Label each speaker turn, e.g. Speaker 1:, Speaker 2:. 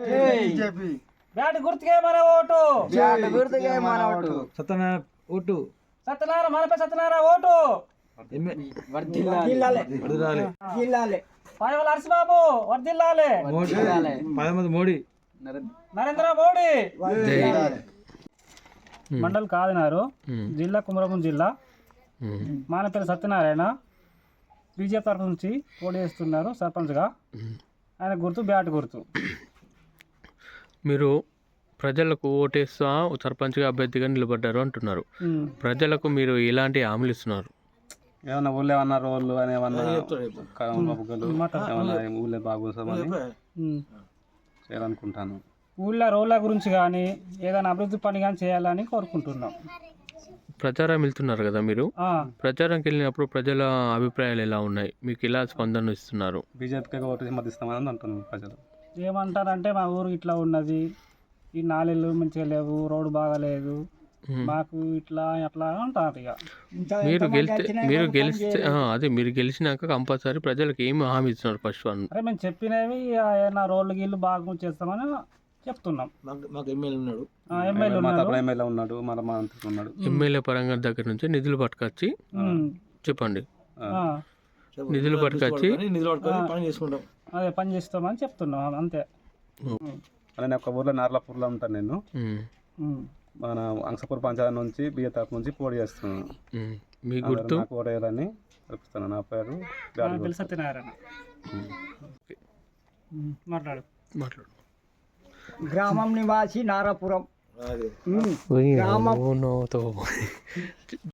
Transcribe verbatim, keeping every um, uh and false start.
Speaker 1: Bat గుర్తుకే మన vote.
Speaker 2: Bat గుర్తుకే మన ఓటు.
Speaker 3: సత్యనారాయణ ఓటు.
Speaker 1: సత్యనారాయణ మనపై సత్యనారాయణ ఓటు.
Speaker 2: జిల్లాలే
Speaker 1: పాయవల హర్షబాబు వర్దిల్లాలే.
Speaker 3: పదమంది మోడీ.
Speaker 1: నరేంద్ర మోడీ. మండల్ కాదినారు, జిల్లా కుమరభూం జిల్లా. మన పేరు సత్యనారాయణ. బీజేపీ తరఫు నుంచి పోటీ చేస్తున్నారు సర్పంచ్గా. ఆయన గుర్తు బ్యాట్ గుర్తు.
Speaker 4: మీరు ప్రజలకు ఓటేస్తా సర్పంచ్గా అభ్యర్థిగా నిలబడ్డారు అంటున్నారు. ప్రజలకు మీరు ఎలాంటి హామీలు ఇస్తున్నారు?
Speaker 5: ఏమన్నా ఊళ్ళో ఏమన్నా రోడ్లు అని ఏమన్నా బుగ్గలు ఏమన్నా ఊళ్ళో బాగోసామని చేయాలనుకుంటాను.
Speaker 1: ఊళ్ళో రోడ్ల గురించి కానీ ఏదైనా అభివృద్ధి పని కానీ చేయాలని కోరుకుంటున్నాం.
Speaker 4: ప్రచారం వెళ్తున్నారు కదా మీరు, ప్రచారంకి వెళ్ళినప్పుడు ప్రజల అభిప్రాయాలు ఎలా ఉన్నాయి? మీకు ఎలా స్పందన ఇస్తున్నారు?
Speaker 5: బీజేపీకి ఓటు మద్దతిస్తామని అంటున్నారు ప్రజలు.
Speaker 1: ఏమంటారంటే మా ఊరు ఇట్లా ఉన్నది, ఈ నాలుగు మంచిగా లేవు, రోడ్డు బాగాలేదు, మాకు ఇట్లా అట్లా అంటారు. ఇక
Speaker 4: మీరు గెలిస్తే మీరు గెలిస్తే అదే మీరు గెలిచినాక కంపల్సరీ ప్రజలకు ఏమి హామీ ఇస్తున్నారు? ఫస్ట్ వన్
Speaker 1: అరే మేము చెప్పినవి ఏమైనా రోడ్లు గీళ్ళు బాగా చేస్తామని చెప్తున్నాం.
Speaker 3: మాకు ఎమ్మెల్యే ఉన్నాడు,
Speaker 1: ఎమ్మెల్యే
Speaker 5: ఎమ్మెల్యే ఉన్నాడు, మన మంత్రి ఉన్నాడు.
Speaker 4: ఎమ్మెల్యే పరంగా దగ్గర నుంచి నిధులు పట్టుకొచ్చి చెప్పండి, నిధులు పట్టుకొచ్చి
Speaker 3: నిధులు పట్టుకొని పని చేసుకుంటాం.
Speaker 1: అదే పని చేస్తామని చెప్తున్నాం అంతే.
Speaker 5: నేను ఒక ఊర్లో నార్లాపూర్లో ఉంటాను. నేను మన అంశపూర్ పంచాయతీ నుంచి బియ్య తరపు నుంచి పోటీ చేస్తున్నాను.
Speaker 4: మీ గుర్తు
Speaker 5: ఓటు వేయాలని చెప్తున్నాను. నా పేరు
Speaker 1: సత్యనారాయణ. మాట్లాడు
Speaker 4: మాట్లాడు.
Speaker 2: గ్రామం నివాసి నారాపురం.
Speaker 4: గ్రామం